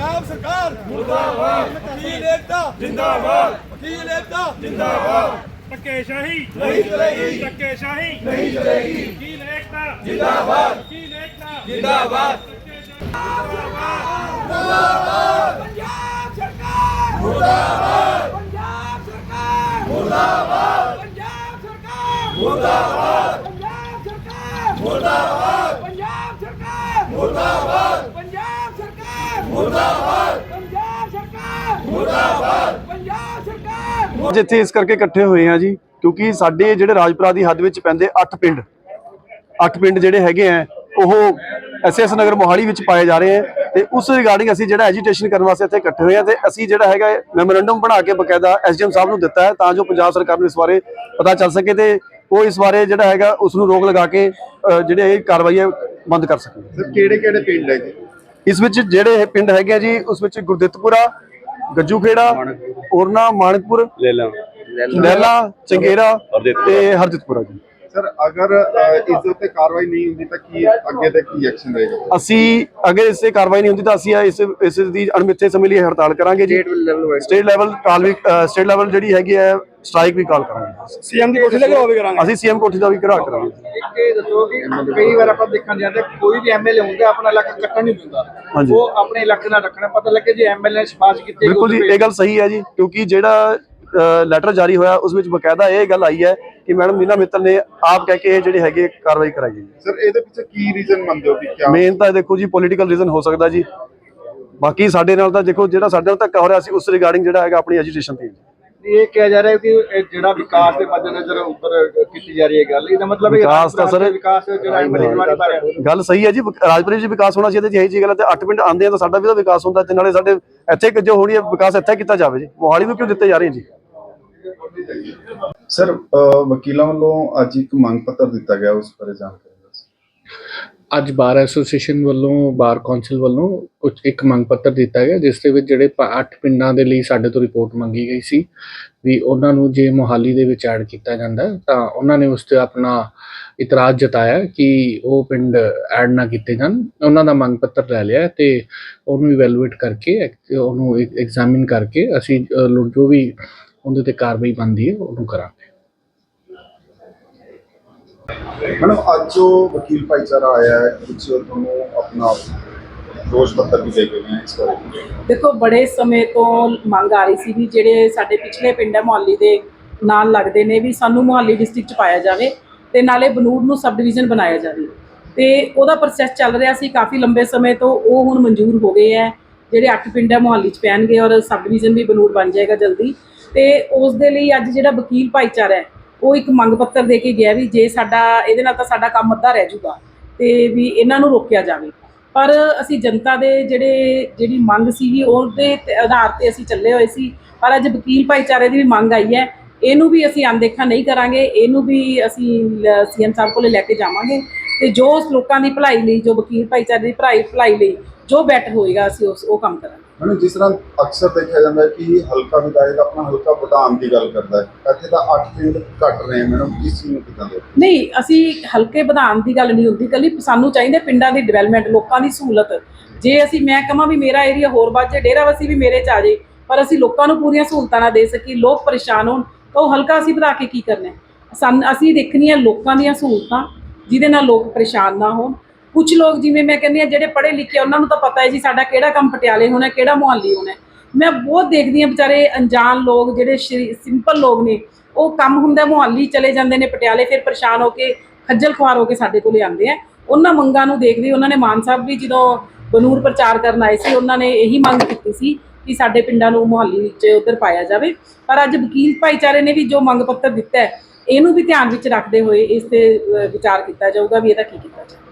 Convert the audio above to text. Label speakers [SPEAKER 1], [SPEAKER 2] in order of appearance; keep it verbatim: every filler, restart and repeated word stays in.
[SPEAKER 1] पंजाब सरकार मुर्दाबाद, वकील एकता जिंदाबाद, वकील एकता जिंदाबाद।
[SPEAKER 2] धक्केशाही
[SPEAKER 1] नहीं चलेगी,
[SPEAKER 2] धक्केशाही
[SPEAKER 1] नहीं चलेगी,
[SPEAKER 2] वकील एकता
[SPEAKER 1] जिंदाबाद,
[SPEAKER 2] वकील एकता
[SPEAKER 1] जिंदाबाद,
[SPEAKER 2] मुर्दाबाद
[SPEAKER 3] पंजाब सरकार
[SPEAKER 1] मुर्दाबाद,
[SPEAKER 3] पंजाब सरकार
[SPEAKER 1] मुर्दाबाद,
[SPEAKER 3] पंजाब सरकार
[SPEAKER 1] मुर्दाबाद,
[SPEAKER 3] पंजाब सरकार
[SPEAKER 1] मुर्दाबाद,
[SPEAKER 3] पंजाब सरकार
[SPEAKER 1] मुर्दाबाद,
[SPEAKER 3] पंजाब सरकार
[SPEAKER 1] मुर्दाबाद,
[SPEAKER 3] पंजाब सरकार
[SPEAKER 1] मुर्दाबाद।
[SPEAKER 3] पंजाब सरकार
[SPEAKER 4] ਅੱਜ ਇੱਥੇ ਇਸ ਕਰਕੇ ਇਕੱਠੇ ਹੋਏ ਆ ਜੀ ਕਿਉਂਕਿ ਸਾਡੇ ਜਿਹੜੇ ਰਾਜਪੁਰਾ ਦੀ ਹੱਦ ਵਿੱਚ ਪੈਂਦੇ ਅੱਠ ਪਿੰਡ ਅੱਠ ਪਿੰਡ ਜਿਹੜੇ ਹੈਗੇ ਆ ਉਹ ਐਸਐਸ ਨਗਰ ਮੋਹਾਲੀ ਵਿੱਚ ਪਾਏ ਜਾ ਰਹੇ ਆ ਤੇ ਉਸ ਰਿਗਾਰਡਿੰਗ ਅਸੀਂ ਜਿਹੜਾ ਐਜੀਟੇਸ਼ਨ ਕਰਨ ਵਾਸਤੇ ਇੱਥੇ ਇਕੱਠੇ ਹੋਏ ਆ ਤੇ ਅਸੀਂ ਜਿਹੜਾ ਹੈਗਾ ਮੈਮੋਰੈਂਡਮ ਬਣਾ ਕੇ ਬਕਾਇਦਾ ਐਸਡੀਐਮ ਸਾਹਿਬ ਨੂੰ ਦਿੱਤਾ ਹੈ ਤਾਂ ਜੋ ਪੰਜਾਬ ਸਰਕਾਰ ਨੂੰ ਇਸ ਬਾਰੇ ਪਤਾ ਚੱਲ ਸਕੇ ਤੇ ਉਹ ਇਸ ਬਾਰੇ ਜਿਹੜਾ ਹੈਗਾ ਉਸ ਨੂੰ ਰੋਕ ਲਗਾ ਕੇ ਅ, ਜਿਹੜੇ ਇਹ ਕਾਰਵਾਈ ਹੈ ਬੰਦ ਕਰ ਸਕਣ।
[SPEAKER 5] ਸਰ ਕਿਹੜੇ ਕਿਹੜੇ ਪਿੰਡ ਹੈ ਜੀ
[SPEAKER 4] ਇਸ ਵਿੱਚ ਜਿਹੜੇ ਇਹ ਪਿੰਡ ਹੈਗੇ ਆ ਜੀ ਉਸ ਵਿੱਚ ਗੁਰਦਿੱਤਪੁਰਾ, ਗੱਜੂ ਖੇੜਾ, ਔਰਨਾ, ਮਾਨਕਪੁਰ, ਲਹਿਲਾ, ਚੰਗੇਰਾ ਤੇ ਹਰਜਿਤਪੁਰਾ ਜੀ।
[SPEAKER 5] ਸਰ ਅਗਰ ਅ, ਇਸ ਉੱਤੇ ਕਾਰਵਾਈ ਨਹੀਂ ਹੁੰਦੀ ਤਾਂ ਕੀ ਅੱਗੇ ਤੇ ਕੀ ਐਕਸ਼ਨ ਰਹੇਗਾ?
[SPEAKER 4] ਅਸੀਂ ਅਗਰ ਇਸ ਤੇ ਕਾਰਵਾਈ ਨਹੀਂ ਹੁੰਦੀ ਤਾਂ ਅਸੀਂ ਇਸ ਇਸ ਦੀ ਅਣਮਿੱਥੇ ਸਮੇਂ ਲਈ ਹੜਤਾਲ ਕਰਾਂਗੇ ਜੀ। ਸਟੇਟ ਲੈਵਲ ਕਾਲ ਵੀ ਸਟੇਟ ਲੈਵਲ ਜਿਹੜੀ ਹੈਗੀ ਹੈ ਸਟ੍ਰਾਈਕ ਵੀ ਕਾਲ ਕਰਾਂਗੇ।
[SPEAKER 2] ਸੀਐਮ ਦੀ ਕੋਠੀ ਦਾ ਵੀ ਕਰਾਂਗੇ
[SPEAKER 4] ਅਸੀਂ ਸੀਐਮ ਕੋਠੀ ਦਾ ਵੀ ਘਿਰਾਓ ਕਰਾਂਗੇ।
[SPEAKER 6] ਇੱਕ ਇਹ ਦੱਸੋ ਕਿ ਕਈ ਵਾਰ ਆਪਾਂ ਦੇਖਣ ਜਾਂਦੇ ਕੋਈ ਵੀ ਐਮਐਲਏ ਹੁੰਦਾ ਆਪਣਾ ਇਲਾਕਾ ਕੱਟਣ ਨਹੀਂ ਦਿੰਦਾ,
[SPEAKER 4] ਹਾਂਜੀ।
[SPEAKER 6] ਉਹ ਆਪਣੇ ਇਲਾਕੇ ਨਾਲ ਰੱਖਣਾ। ਪਤਾ ਲੱਗੇ ਜੇ ਐਮਐਲਏ ਨੇ ਸਿਫਾਰਿਸ਼ ਕੀਤੀ
[SPEAKER 4] ਬਿਲਕੁਲ ਜੀ ਇਹ ਗੱਲ ਸਹੀ ਹੈ ਜੀ ਕਿਉਂਕਿ ਜਿਹੜਾ ਲੈਟਰ ਜਾਰੀ ਹੋਇਆ ਉਸ ਵਿੱਚ ਬਕਾਇਦਾ ਇਹ ਗੱਲ ਆਈ ਹੈ ਕਿ ਮੈਡਮ ਮੀਨਾ ਮਿੱਤਲ ਨੇ ਆਪ ਕਹਿ ਕੇ ਇਹ ਜਿਹੜੀ ਹੈਗੀ ਕਾਰਵਾਈ ਕਰਾਈ ਹੈ।
[SPEAKER 5] ਸਰ ਇਹਦੇ ਪਿੱਛੇ ਕੀ ਰੀਜ਼ਨ ਮੰਨਦੇ ਹੋ ਵੀ ਕਿਆ?
[SPEAKER 4] ਮੇਨ ਤਾਂ ਦੇਖੋ ਜੀ ਪੋਲੀਟੀਕਲ ਰੀਜ਼ਨ ਹੋ ਸਕਦਾ ਜੀ। ਬਾਕੀ ਸਾਡੇ ਨਾਲ ਤਾਂ ਦੇਖੋ ਜਿਹੜਾ ਸਾਡੇ ਨਾਲ ਧੱਕਾ ਹੋ ਰਿਹਾ ਸੀ ਉਸ ਰਿਗਾਰਡਿੰਗ ਜਿਹੜਾ ਹੈਗਾ ਆਪਣੀ ਐਜੀਟੇਸ਼ਨ ਤੇ
[SPEAKER 6] ਇਹ ਕਿਹਾ ਜਾ ਰਿਹਾ ਹੈ ਕਿ ਇਹ ਜਿਹੜਾ ਵਿਕਾਸ ਦੇ ਮੱਦੇਨਜ਼ਰ ਉੱਪਰ ਕੀਤੀ ਜਾ ਰਹੀ ਹੈ ਗੱਲ, ਇਹਦਾ ਮਤਲਬ ਇਹ
[SPEAKER 4] ਵਿਕਾਸ ਤਾਂ ਸਰ
[SPEAKER 6] ਵਿਕਾਸ ਜਿਹੜਾ ਐਮਐਲਏ ਵਾਲੀ ਬਾਰੇ
[SPEAKER 4] ਗੱਲ ਸਹੀ ਹੈ ਜੀ। ਰਾਜਪੁਰੇ 'ਚ ਵਿਕਾਸ ਹੋਣਾ ਚਾਹੀਦਾ ਜੀ। ਇਹੀ ਜੀ ਗੱਲ ਹੈ ਤੇ ਅੱਠ ਪਿੰਡ ਆਉਂਦੇ ਆ ਤਾਂ ਸਾਡਾ ਵੀ ਤਾਂ ਵਿਕਾਸ ਹੁੰਦਾ ਤੇ ਨਾਲੇ ਸਾਡੇ ਇੱਥੇ ਜੋ ਹੋਣੀ ਹੈ ਵਿਕਾਸ ਇੱਥੇ ਕੀਤਾ ਜਾਵੇ ਜੀ। ਮੋਹਾਲੀ ਨੂੰ ਕਿਉਂ ਦਿੱਤੇ ਜਾ ਰਹੇ ਜੀ?
[SPEAKER 5] ਸਰ ਵਕੀਲਾਂ ਵੱਲੋਂ ਅੱਜ ਇੱਕ ਮੰਗ ਪੱਤਰ ਦਿੱਤਾ ਗਿਆ, ਉਸ ਬਾਰੇ ਜਾਣਕਾਰੀ ਦਿਓ।
[SPEAKER 7] ਅੱਜ ਬਾਰ ਐਸੋਸੀਏਸ਼ਨ ਵੱਲੋਂ ਬਾਰ ਕੌਂਸਲ ਵੱਲੋਂ ਕੁਝ ਇੱਕ ਮੰਗ ਪੱਤਰ ਦਿੱਤਾ ਗਿਆ ਜਿਸ ਦੇ ਵਿੱਚ ਜਿਹੜੇ ਅੱਠ ਪਿੰਡਾਂ ਦੇ ਲਈ ਸਾਡੇ ਤੋਂ ਰਿਪੋਰਟ ਮੰਗੀ ਗਈ ਸੀ ਵੀ ਉਹਨਾਂ ਨੂੰ ਜੇ ਮੋਹਾਲੀ ਦੇ ਵਿੱਚ ਐਡ ਕੀਤਾ ਜਾਂਦਾ ਤਾਂ ਉਹਨਾਂ ਨੇ ਉਸ ਤੇ ਆਪਣਾ ਇਤਰਾਜ਼ ਜਤਾਇਆ ਕਿ ਉਹ ਪਿੰਡ ਐਡ ਨਾ ਕੀਤੇ ਜਾਣ। ਉਹਨਾਂ ਦਾ ਮੰਗ ਪੱਤਰ ਲੈ ਲਿਆ ਤੇ ਉਹਨੂੰ ਇਵੈਲੂਏਟ ਕਰਕੇ ਉਹਨੂੰ ਐਗਜ਼ਾਮਿਨ ਕਰਕੇ ਅਸੀਂ ਜੋ ਵੀ ਉਹਦੇ ਤੇ ਕਾਰਵਾਈ ਬਣਦੀ ਹੈ ਉਹਨੂੰ ਕਰਾਂਗੇ।
[SPEAKER 5] ਮੈਡਮ ਅੱਜ ਜੋ ਵਕੀਲ ਭਾਈਚਾਰਾ ਆਇਆ ਹੈ ਕੁਝ ਤੁਹਾਨੂੰ ਆਪਣਾ ਦੋਸ਼ ਪੱਤਰ ਵੀ ਦੇ ਕੇ ਗਏ ਇਸ ਬਾਰੇ?
[SPEAKER 8] ਦੇਖੋ ਬੜੇ ਸਮੇਂ ਤੋਂ ਮੰਗ ਆ ਰਹੀ ਸੀ ਵੀ ਜਿਹੜੇ ਸਾਡੇ ਪਿਛਲੇ ਪਿੰਡ ਹੈ ਮੁਹਾਲੀ ਦੇ ਨਾਲ ਲੱਗਦੇ ਨੇ ਵੀ ਸਾਨੂੰ ਮੁਹਾਲੀ ਡਿਸਟ੍ਰਿਕਟ 'ਚ ਪਾਇਆ ਜਾਵੇ ਤੇ ਨਾਲੇ ਬਨੂੜ ਨੂੰ ਸਬ ਡਿਵੀਜ਼ਨ ਬਣਾਇਆ ਜਾਵੇ ਤੇ ਉਹਦਾ ਪ੍ਰੋਸੈਸ ਚੱਲ ਰਿਹਾ ਸੀ ਕਾਫੀ ਲੰਬੇ ਸਮੇਂ ਤੋਂ। ਉਹ ਹੁਣ ਮਨਜ਼ੂਰ ਹੋ ਗਏ ਹੈ, ਜਿਹੜੇ ਅੱਠ ਪਿੰਡ ਹੈ ਮੁਹਾਲੀ 'ਚ ਪੈਣਗੇ ਔਰ ਸਬ ਡਿਵੀਜ਼ਨ ਵੀ ਬਨੂੜ ਬਣ ਜਾਏਗਾ ਜਲਦੀ। ਤੇ ਉਸ ਦੇ ਲਈ ਅੱਜ ਜਿਹੜਾ ਵਕੀਲ ਭਾਈਚਾਰਾ ਹੈ ਉਹ ਇੱਕ ਮੰਗ ਪੱਤਰ ਦੇ ਕੇ ਗਿਆ ਵੀ ਜੇ ਸਾਡਾ ਇਹਦੇ ਨਾਲ ਤਾਂ ਸਾਡਾ ਕੰਮ ਅੱਧਾ ਰਹਿ ਜੂਗਾ ਤੇ ਵੀ ਇਹਨਾਂ ਨੂੰ ਰੋਕਿਆ ਜਾਵੇ। ਪਰ ਅਸੀਂ ਜਨਤਾ ਦੇ ਜਿਹੜੇ ਜਿਹੜੀ ਮੰਗ ਸੀਗੀ ਉਹਦੇ ਆਧਾਰ ਤੇ ਅਸੀਂ ਚੱਲੇ ਹੋਏ ਸੀ। ਪਰ ਅੱਜ ਵਕੀਲ ਭਾਈਚਾਰੇ ਦੀ ਵੀ ਮੰਗ ਆਈ ਹੈ, ਇਹਨੂੰ ਵੀ ਅਸੀਂ ਅਣਦੇਖਾ ਨਹੀਂ ਕਰਾਂਗੇ, ਇਹਨੂੰ ਵੀ ਅਸੀਂ ਸੀਐਮ ਸਾਹਿਬ ਕੋਲੇ ਲੈ ਕੇ ਜਾਵਾਂਗੇ ਤੇ ਜੋ ਲੋਕਾਂ ਦੀ ਭਲਾਈ ਲਈ, ਜੋ ਵਕੀਲ ਭਾਈਚਾਰੇ ਦੀ ਭਲਾਈ ਭਲਾਈ ਲਈ ਜੋ ਬੈਟਰ ਹੋਏਗਾ ਅਸੀਂ ਉਸ ਉਹ ਕੰਮ ਕਰਾਂਗੇ।
[SPEAKER 5] ਮੈਡਮ ਜਿਸ ਤਰ੍ਹਾਂ ਅਕਸਰ ਦੇਖਿਆ ਜਾਂਦਾ ਹੈ ਕਿ ਹਲਕਾ ਵਿਧਾਇਕ ਆਪਣਾ ਹਲਕਾ ਵਧਾਉਣ ਦੀ ਗੱਲ ਕਰਦਾ ਹੈ, ਇੱਥੇ ਤਾਂ ਅੱਠ ਪਿੰਡ ਘੱਟ ਰਹੇ ਮੈਡਮ, ਇਸ ਚੀਜ਼ ਨੂੰ ਕਿੱਦਾਂ ਦੇ?
[SPEAKER 8] ਨਹੀਂ, ਅਸੀਂ ਹਲਕੇ ਵਧਾਉਣ ਦੀ ਗੱਲ ਨਹੀਂ ਹੁੰਦੀ, ਕੱਲੀ ਸਾਨੂੰ ਚਾਹੀਦਾ ਪਿੰਡਾਂ ਦੀ ਡਿਵੈਲਪਮੈਂਟ, ਲੋਕਾਂ ਦੀ ਸਹੂਲਤ। ਜੇ ਅਸੀਂ ਮੈਂ ਕਹਾਂ ਵੀ ਮੇਰਾ ਏਰੀਆ ਹੋਰ ਵੱਧ ਜਾਏ, ਡੇਰਾਬੱਸੀ ਵੀ ਮੇਰੇ 'ਚ ਆ ਜਾਏ, ਪਰ ਅਸੀਂ ਲੋਕਾਂ ਨੂੰ ਪੂਰੀਆਂ ਸਹੂਲਤਾਂ ਨਾ ਦੇ ਸਕੀ, ਲੋਕ ਪਰੇਸ਼ਾਨ ਹੋਣ ਤਾਂ ਉਹ ਹਲਕਾ ਅਸੀਂ ਵਧਾ ਕੇ ਕੀ ਕਰਨਾ? ਸਾਨੂੰ ਅਸੀਂ ਦੇਖਣੀਆਂ ਲੋਕਾਂ ਦੀਆਂ ਸਹੂਲਤਾਂ ਜਿਹਦੇ ਨਾਲ ਲੋਕ ਪਰੇਸ਼ਾਨ ਨਾ ਹੋਣ। ਕੁਝ ਲੋਕ ਜਿਵੇਂ ਮੈਂ ਕਹਿੰਦੀ ਹਾਂ ਜਿਹੜੇ ਪੜ੍ਹੇ ਲਿਖੇ ਉਹਨਾਂ ਨੂੰ ਤਾਂ ਪਤਾ ਹੈ ਜੀ ਸਾਡਾ ਕਿਹੜਾ ਕੰਮ ਪਟਿਆਲੇ ਹੋਣਾ, ਕਿਹੜਾ ਮੁਹਾਲੀ ਹੋਣਾ। ਮੈਂ ਬਹੁਤ ਦੇਖਦੀ ਹਾਂ ਵਿਚਾਰੇ ਅਣਜਾਣ ਲੋਕ ਜਿਹੜੇ ਸਿੰਪਲ ਲੋਕ ਨੇ, ਉਹ ਕੰਮ ਹੁੰਦਾ ਮੁਹਾਲੀ ਚਲੇ ਜਾਂਦੇ ਨੇ ਪਟਿਆਲੇ, ਫਿਰ ਪਰੇਸ਼ਾਨ ਹੋ ਕੇ ਖੱਜਲ ਖੁਆਰ ਹੋ ਕੇ ਸਾਡੇ ਕੋਲੇ ਆਉਂਦੇ ਆ। ਉਹਨਾਂ ਮੰਗਾਂ ਨੂੰ ਦੇਖਦੇ ਉਹਨਾਂ ਨੇ ਮਾਨ ਸਾਹਿਬ ਵੀ ਜਦੋਂ ਬਨੂੜ ਪ੍ਰਚਾਰ ਕਰਨ ਆਏ ਸੀ ਉਹਨਾਂ ਨੇ ਇਹੀ ਮੰਗ ਕੀਤੀ ਸੀ ਕਿ ਸਾਡੇ ਪਿੰਡਾਂ ਨੂੰ ਮੁਹਾਲੀ ਵਿੱਚ ਉੱਧਰ ਪਾਇਆ ਜਾਵੇ। ਪਰ ਅੱਜ ਵਕੀਲ ਭਾਈਚਾਰੇ ਨੇ ਵੀ ਜੋ ਮੰਗ ਪੱਤਰ ਦਿੱਤਾ ਹੈ ਇਹਨੂੰ ਵੀ ਧਿਆਨ ਵਿੱਚ ਰੱਖਦੇ ਹੋਏ ਇਸ ਤੇ ਵਿਚਾਰ ਕੀਤਾ ਜਾਊਗਾ ਵੀ ਇਹਦਾ ਕੀ ਕੀਤਾ ਜਾਵੇ।